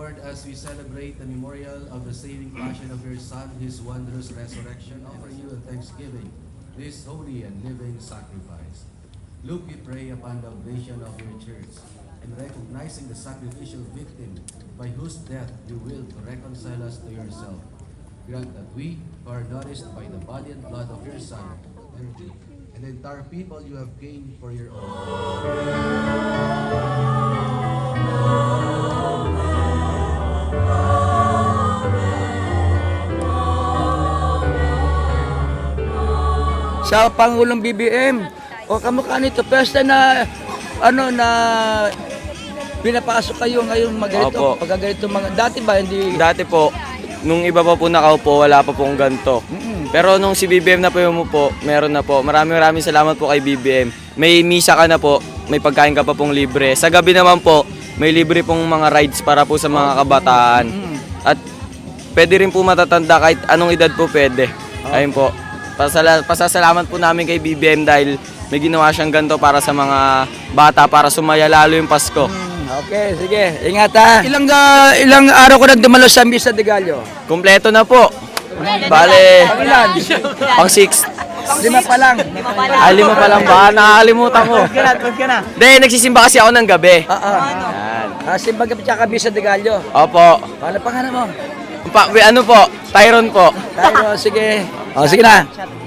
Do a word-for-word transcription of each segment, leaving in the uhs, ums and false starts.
Lord, as we celebrate the memorial of the saving passion of your Son, his wondrous resurrection, offer you a thanksgiving, this holy and living sacrifice. Look, we pray, upon the oblation of your church, and recognizing the sacrificial victim by whose death you will to reconcile us to yourself. Grant that we, who are nourished by the body and blood of your Son, and the entire people you have gained for your own, sa Pangulong B B M. O kamukha nito, first time na ano na pinapasok kayo ngayon maganito. Opo. Pagka ganito mga dati ba hindi Dati po, nung iba pa po nakaupo, wala pa pong ganito. Mm-mm. Pero nung si B B M na po yung po, meron na po. Maraming maraming salamat po kay B B M. May misa ka na po, may pagkain ka pa pong libre. Sa gabi naman po, may libre pong mga rides para po sa mga kabataan. Mm. At pwede rin po matatanda kahit anong edad po pwede. Ayun po. Pasala pasasalamat po namin kay B B M dahil may ginawa siyang ganito para sa mga bata para sumaya lalo yung Pasko. Mm, okay, sige. Ingat ha. Ilang ah, ilang araw ko nang dumalo sa Misa de Gallo? Kompleto na po. Bale, Pang ilan? pang six. Lima pa lang. Ah, lima pa lang ba? Nakakalimutan ko. Hindi, nagsisimba kasi ako ng gabi. Ah, ah. Yan. Ah, simba ka pa Misa de Gallo. Opo. Paano pangalan mo? Pa, ano po? Tyron po. Tayo, sige. Oh, sige na.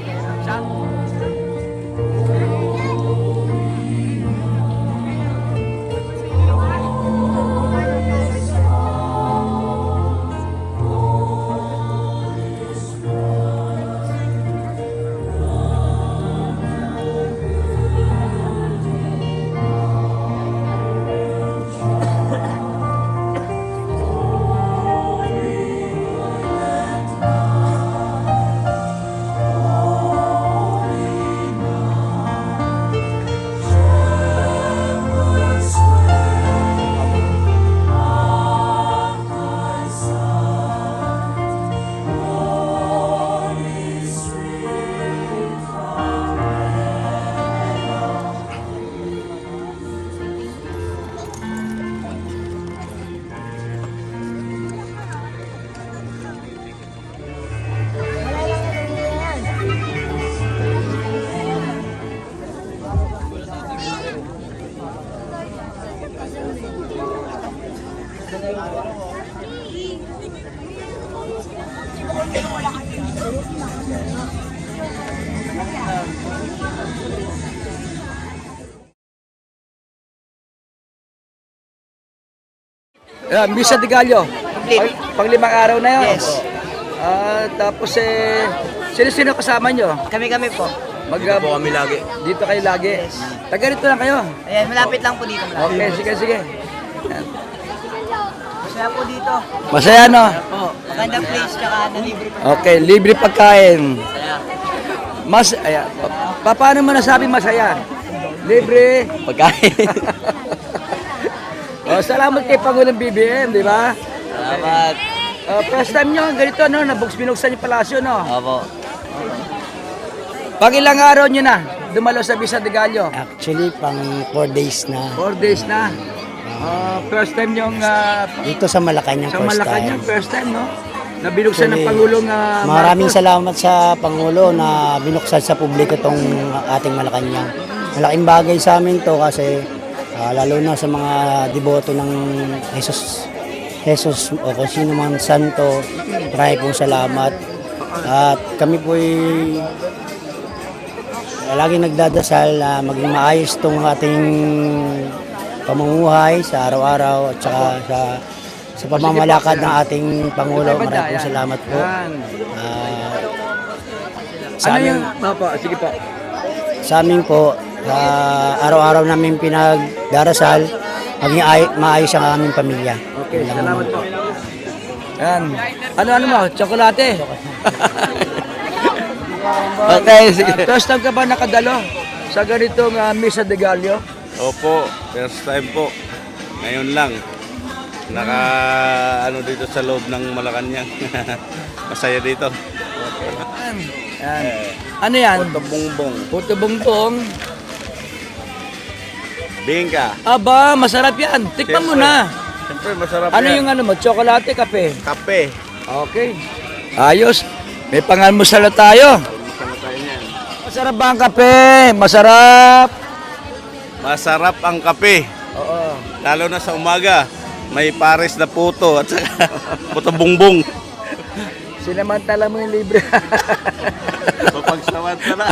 Yeah, Misa de Gallo. Pang, pang limang araw na yun. Yes. Ah, tapos eh, sino-sino kasama nyo? Kami-kami po. Mag, Po kami lagi. Dito kayo lagi. Taga rito lang kayo. Ayan, malapit lang po dito. Malapit. Okay, sige, sige. Masaya po dito. Masaya, no? Po. Magandang place, tsaka nalibre po. Okay, libre pagkain. Masaya. Mas, ayan. Pa, paano mo nasabi masaya? Libre. Pagkain. Oh, salamat kay Pangulong B B M, di ba? Salamat. Uh, first time nyo, ganito, no? Nabuks binuksan yung palasyo, no? Opo. Pag ilang araw nyo na, dumalo sa Misa de Gallo? Actually, pang four days na. Four days na. Uh, first time yung uh, Dito sa Malacanang sa first Malacanang, time. first time, no? Na binuksan ng Actually, Pangulong uh, Maraming Marcos. salamat sa Pangulo na binuksan sa publiko itong ating Malacanang. Malaking bagay sa amin to kasi ah, lalo na sa mga deboto ng Jesus, Jesus o kung sino man santo, marami pong salamat. At kami po'y lagi nagdadasal na maging maayos itong ating pamumuhay sa araw-araw at saka sa sa pamamalakad ng ating Pangulo. Sige, banda, Maraming yan. salamat po. Yan. Ah, Ano sa amin, yung, Opo, sige po. sa amin po, ah, araw-araw namin pinagdarasal, maging ay, maayos ang aming pamilya. Okay, Yun lang salamat naman. po. Yan. Ano-ano mo? Tsokolate? Okay, sige. First time ka ba nakadalo sa ganitong uh, Misa de Gallo? Opo, first time po. Ngayon lang. Naka ano dito sa loob ng Malacanang. Masaya dito. Yan. Yan. Ano yan? Puto bongbong. Puto bongbong. Bingka. Aba, masarap yan. Tikman mo Siyempre. na. Siyempre, masarap Ano yan. yung ano mo? Tsokolate, kape? Kape. Okay. Ayos. May pangalmusal na tayo. Masarap ba ang kape? Masarap. Masarap ang kape. Oo. Lalo na sa umaga. May pares na puto at saka puto bungbong. Sinamantala mo yung libre. Mapagsamantala.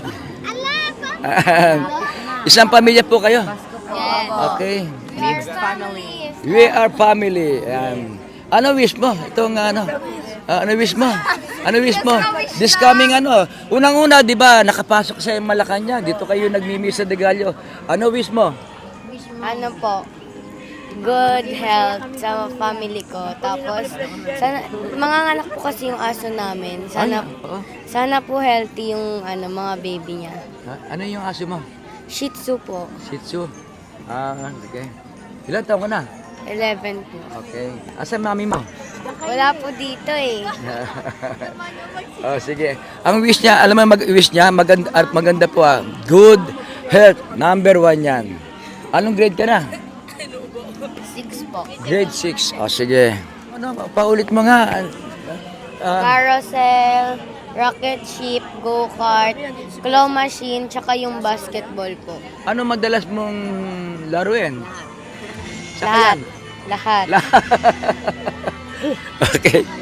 Isang pamilya po kayo? Okay. family. We are family. Ayan. Ano wish mo? Itong ano? Ah, ano wish mo? Ano wish mo? This coming ano? Unang-una, di ba, nakapasok sa Malacanang. Dito kayo nagmimisa de Gallo. Ano wish mo? Ano po? Good health sa family ko. Tapos, sana, manganganak po kasi yung aso namin. Sana, Oo. sana po healthy yung ano, mga baby niya. Ha? Ano yung aso mo? Shih Tzu po. Shih Tzu. Ah, okay. Ilan taon ka na? eleven po. Okay. Asan mami mo? Wala po dito eh. Oh, sige. Ang wish niya, alam mo mag-wish niya, maganda, ah, maganda po ah. Good health, number one yan. Anong grade ka na? Six po. Grade six. Oh, sige. Ano, paulit mo nga. Ah, Carousel, rocket ship, go-kart, claw machine, tsaka yung basketball po. ano madalas mong laruin? Lahat. Lahat. Okay.